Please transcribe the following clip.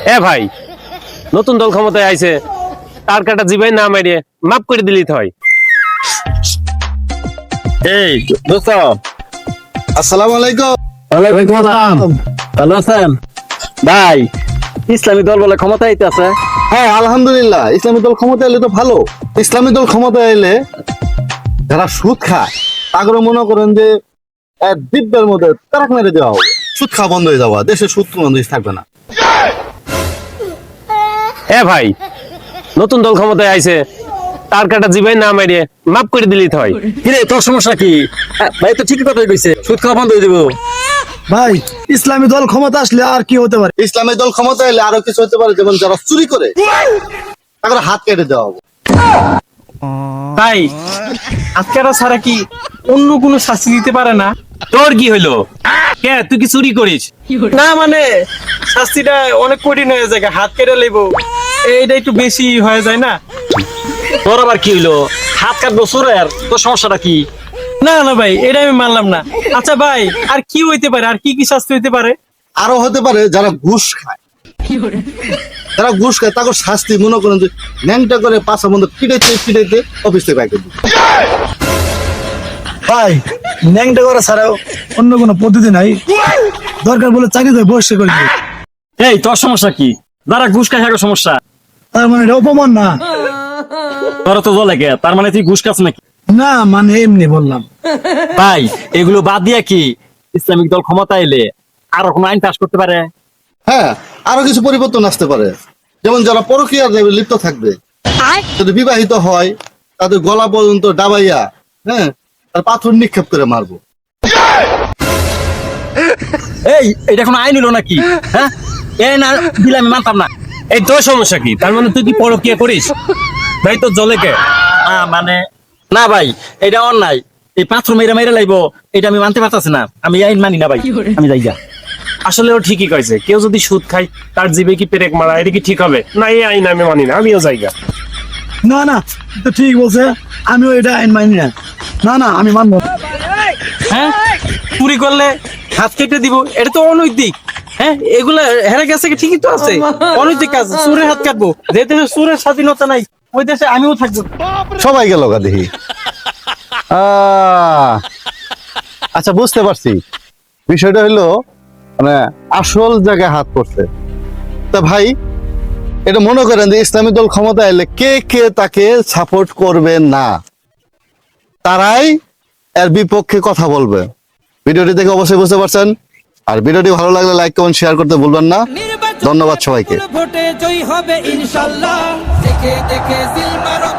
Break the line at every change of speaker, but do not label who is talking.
এ ভাই, নতুন দল ক্ষমতায় আইছে, তার কাটা জিবাই না মারিয়ে মাফ করে দিলেই তো হয়।
এই দোস্ত,
আসসালামু আলাইকুম।
ওয়ালাইকুম আসসালাম। ভালো আছেন ভাই? ইসলামী দল বলে ক্ষমতা আইতাছে।
হ্যাঁ আলহামদুলিল্লাহ, ইসলামী দল ক্ষমতা এলে তো ভালো। ইসলামী দল ক্ষমতা এলে যারা সুদ খায় তাগরে মনে করেন যে এক দিব্যের মধ্যে তারাক মেরে দেওয়া হবে, সুদ খাওয়া বন্ধ হয়ে যাওয়া, দেশে সুদ বন্ধ থাকবে না।
এ ভাই, নতুন দল ক্ষমতায় আইছে, তার কাটা জিবাই না মারিয়ে মাফ করে দিলেই তো হয়।
কিরে তোর সমস্যা কি? ভাই তো ঠিকই কথাই কইছে, সুদ খাওয়া বন্ধ হয়ে দিব।
ভাই ইসলামী দল ক্ষমতা আসলে আর কি হতে পারে?
ইসলামী দল ক্ষমতা এলে আরো কিছু হতে পারে, যেমন যারা চুরি করে তাদের হাত কেটে দেওয়া হবে।
তাই আজকেরা ছাড়া কি অন্য কোনো শাস্তি দিতে পারে না?
তোর কি হইলো? কে, তুই কি চুরি করিস?
না মানে শাস্তিটা অনেক কঠিন হয়ে যায়, হাত কেটে লেবো, এইটা একটু বেশি হয়ে যায় না?
তোর আবার কি হইলো? হাত কাটবো সোরের, তোর সমস্যাটা কি?
না না ভাই, এটা আমি মানলাম না। আচ্ছা ভাই, আর কি হইতে পারে, আর কি কি শাস্তি হইতে পারে?
আরো হতে পারে যারা ঘুষ খায়, যারা ঘুষ খায় তাকে শাস্তি মনে করেন যে ন্যাংটা করে পাশা বন্ধ পিটাইতে পিটাইতে অফিস থেকে বাইকে দিবে।
ভাই ন্যাংটা করা ছাড়াও অন্য কোনো পদ্ধতি নাই, দরকার বলে চাকরিতে বসে করে দিবে।
এই তোর সমস্যা কি? যারা ঘুষ খায় তাদের সমস্যা।
তার মানে এটা অপমান না?
তোর তো জলে কে, তার মানে তুই ঘুষ খাস নাকি?
না মানে এমনি বললাম।
ভাই এগুলো বাদ দিয়া কি ইসলামিক দল ক্ষমতা এলে আরো কোনো আইন পাস করতে পারে?
হ্যাঁ, আরো কিছু পরিবর্তন আসতে পারে, যেমন যারা পরকীয়ার লিপ্ত থাকবে, যদি বিবাহিত হয় তাদের গলা পর্যন্ত ডাবাইয়া, হ্যাঁ, তার পাথর নিক্ষেপ করে মারবো।
এই এটা কোনো আইন হলো নাকি? হ্যাঁ, এই না দিলে আমি মানতাম না।
এই তোর সমস্যা কি? তার মানে তুই কি পরকিয়া করিস? ভাই তোর জলে কে?
মানে না ভাই, এটা অন্যায়। এই পাথর মেরে মেরে লাইবো, এটা আমি মানতে পারতাছি না। আমি এই আইন মানি না ভাই, আমি যাই যা।
আসলে ও ঠিকই কইছে, কেউ যদি সুদ খায় তার জিবে কি পেরেক মারা, এটা কি ঠিক হবে? না, এই আইন আমি মানি না, আমিও জায়গা।
না না তো ঠিক বলছে, আমিও এটা আইন মানি না। না না আমি মানবো না।
হ্যাঁ, চুরি করলে হাত কেটে দিব, এটা তো অনৈতিক। হ্যাঁ, এগুলা হেরে গেছে কি? ঠিকই তো আছে, অনৈতিক কাজ। চুরের হাত কাটবো, যে দেশে চুরের স্বাধীনতা নাই ওই দেশে আমিও থাকবো।
সবাই গেল গা দেখি। আচ্ছা বুঝতে পারছি, বিষয়টা হলো মানে আসল জায়গায় হাত পড়ছে। তা ভাই, এটা মনে করেন যে ইসলামী দল ক্ষমতা এলে কে কে তাকে সাপোর্ট করবে না, তারাই এর বিপক্ষে কথা বলবে। ভিডিওটি দেখে অবশ্যই বুঝতে পারছেন। আর ভিডিওটি ভালো লাগলে লাইক কমেন্ট শেয়ার করতে ভুলবেন না। ধন্যবাদ সবাইকে।
ভোটে জয়ী হবে ইনশাল্লাহ, দেখে দেখে সিল মারো